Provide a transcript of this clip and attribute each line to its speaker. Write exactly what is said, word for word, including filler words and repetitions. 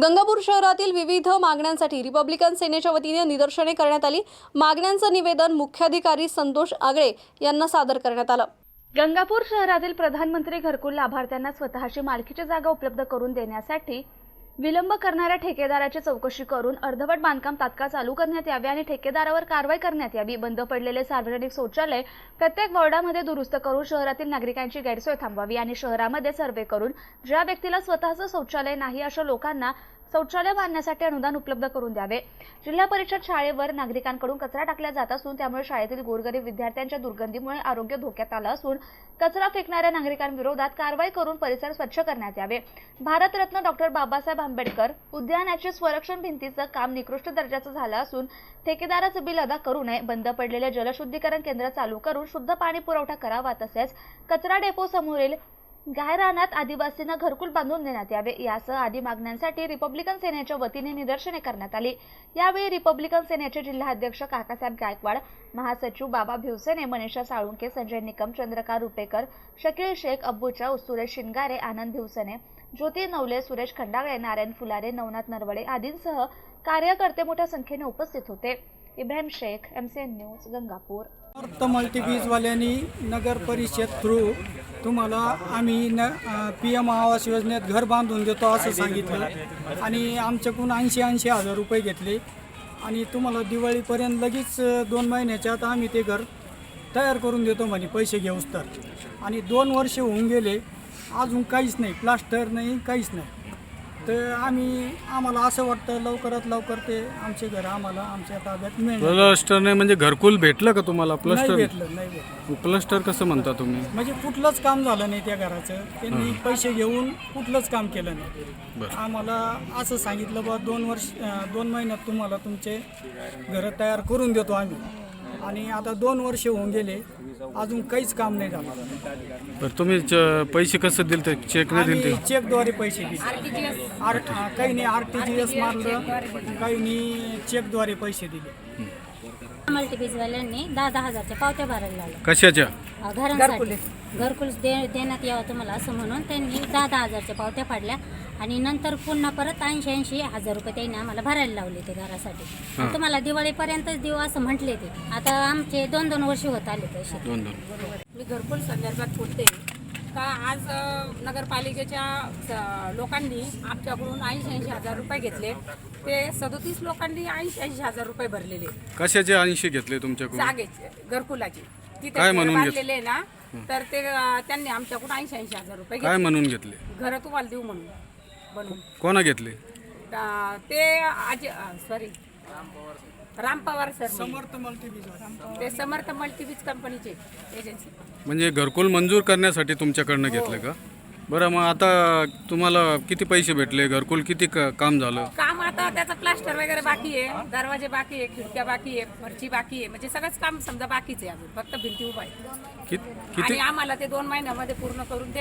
Speaker 1: गंगापूर शहरातील विविध मागण्यांसाठी रिपब्लिकन सेनेच्या वतीने निदर्शने करण्यात आली। मागण्यांचं निवेदन मुख्याधिकारी संतोष आगळे यांना सादर करण्यात आलं।
Speaker 2: गंगापूर शहरातील प्रधानमंत्री घरकुल लाभार्थ्यांना स्वतःची मालकीची जागा उपलब्ध करून देण्यासाठी विलंब करणाऱ्या ठेकेदाराची चौकशी करून अर्धवट बांधकाम तात्काळ चालू करण्यात यावे आणि ठेकेदारावर कारवाई करण्यात यावी। बंद पडलेले सार्वजनिक शौचालय प्रत्येक वॉर्डामध्ये दुरुस्त करून शहरातील नागरिकांची गैरसोय थांबवावी आणि शहरामध्ये सर्वे करून ज्या व्यक्तीला स्वतःचं शौचालय नाही अशा लोकांना शौचालय बांधण्यासाठी अनुदान उपलब्ध करून द्यावे। जिल्हा परिषद शाळेवर नागरिकांकडून कचरा टाकला जात असून त्यामुळे शाळेतील गोरगरीब विद्यार्थ्यांच्या दुर्गंधीमुळे आरोग्य धोक्यात आलं असून कचरा फेकणाऱ्या नागरिकांविरोधात कारवाई करून परिसर स्वच्छ करण्यात यावे। भारतरत्न डॉक्टर बाबासाहेब आंबेडकर उद्यानाचे संरक्षण भिंतीचं काम निकृष्ट दर्जाचं झालं असून ठेकेदाराचं बिल अदा करू नये। बंद पडलेले जलशुद्धीकरण केंद्र चालू करून शुद्ध पाणी पुरवठा करावा। तसेच कचरा डेपो समोरील गायरानात आदिवासींना घरकुल बांधून देण्यात यावे। यासह आदी मागण्यांसाठी रिपब्लिकन सेनेच्या वतीने निदर्शने करण्यात आली। यावेळी रिपब्लिकन सेनेचे जिल्हाध्यक्ष काकासाहेब गायकवाड, महासचिव बाबा भिवसेने, मनीषा साळुंके, संजय निकम, चंद्रकांत रुपेकर, शकील शेख, अब्बूचा, सुरेश शिंगारे, आनंद भिवसेने, ज्योती नवले, सुरेश खंडागळे, नारायण फुलारे, नवनाथ नरवडे आदींसह कार्यकर्ते मोठ्या संख्येने उपस्थित होते। Ibrahim Shaikh, MCN news, Gangapur.
Speaker 3: तर मल्टीबीजवाल्यांनी नगर परिषद थ्रू तुम्हाला आम्ही न पी एम आवास योजनेत घर बांधून देतो असं सांगितलं आणि आमच्याकडून ऐंशी ऐंशी हजार रुपये घेतले आणि तुम्हाला दिवाळीपर्यंत लगेच दोन महिन्याच्या आत आम्ही ते घर तयार करून देतो म्हणे पैसे घेऊस तर। आणि दोन वर्ष होऊन गेले अजून काहीच नाही, प्लास्टर नाही, काहीच नाही। तर आम्ही आम्हाला असं वाटतं लवकरात लवकर ते आमचे घर आम्हाला आमच्या ताब्यात मिळेल।
Speaker 4: प्लास्टर नाही म्हणजे घरकुल भेटलं का तुम्हाला? प्लास्टर
Speaker 3: नाही भेटलं, नाही भेटलं।
Speaker 4: प्लास्टर कसं म्हणता तुम्ही?
Speaker 3: म्हणजे कुठलंच काम झालं नाही त्या घराचं, त्यांनी पैसे घेऊन कुठलंच काम केलं नाही। आम्हाला असं सांगितलं बा दोन वर्ष दोन महिन्यात तुम्हाला तुमचे घरं तयार करून देतो आम्ही, आणि आता दोन वर्ष होऊन गेले अजून काहीच काम नाही झालं।
Speaker 4: बरं, तुम्ही पैसे कसं दिले? ते चेक नाही दिले?
Speaker 3: चेकद्वारे पैसे दिले, आर काही नाही आर टी जी एस मारलं, काही नाही चेकद्वारे पैसे दिले।
Speaker 5: मल्टीबीजवाल्यांनी दहा दहा हजारच्या पावत्या भरायला लावल्या
Speaker 4: कशाच्या?
Speaker 5: घरांसाठी घरकुल दे देण्यात यावं तुम्हाला असं म्हणून त्यांनी दहा दहा हजारच्या पावत्या फाडल्या आणि नंतर पुन्हा परत ऐंशी ऐंशी हजार रुपये त्यांनी आम्हाला भरायला लावले ते घरासाठी। तुम्हाला दिवाळीपर्यंतच देऊ असं म्हटले ते। आता आमचे दोन दोन वर्ष होत आले तसे।
Speaker 4: दोन दोन
Speaker 6: मी घरकुल संदर्भात बोलते का आज नगरपालिकेच्या लोकांनी आमच्याकडून ऐंशी ऐंशी हजार रुपये घेतले, ते सदोतीस लोकांनी ऐंशी ऐंशी हजार रुपये भरलेले।
Speaker 4: कशाचे ऐंशी घेतले तुमच्याकडून?
Speaker 6: जागेचे, घरकुलाची
Speaker 4: काय म्हणून
Speaker 6: बांधलेले ना, तर ते त्यांनी आमच्याकडून ऐंशी ऐंशी हजार रुपये
Speaker 4: काय म्हणून घेतले?
Speaker 6: घर तुम्हाला देऊ म्हणून बनवून।
Speaker 4: कोणा घेतले
Speaker 6: ते आज सॉरी राम पवार सर,
Speaker 3: समर्थ मल्टीबीज,
Speaker 6: ते समर्थ मल्टीबीज कंपनीचे एजन्सी।
Speaker 4: म्हणजे घरकुल मंजूर करण्यासाठी तुमच्याकडनं घेतलं का? बरं, मग आता तुम्हाला किती पैसे भेटले? घरकुल किती काम झालं?
Speaker 6: काम आता त्याचं प्लास्टर वगैरे बाकी आहे, दरवाजे बाकी आहे, खिडक्या बाकी आहे, फरची बाकी आहे, म्हणजे सगळंच काम समजा बाकीच आहे अजून, फक्त भिंती उभा आहे।
Speaker 4: किती
Speaker 6: आणि आम्हाला ते दोन महिन्यामध्ये पूर्ण करून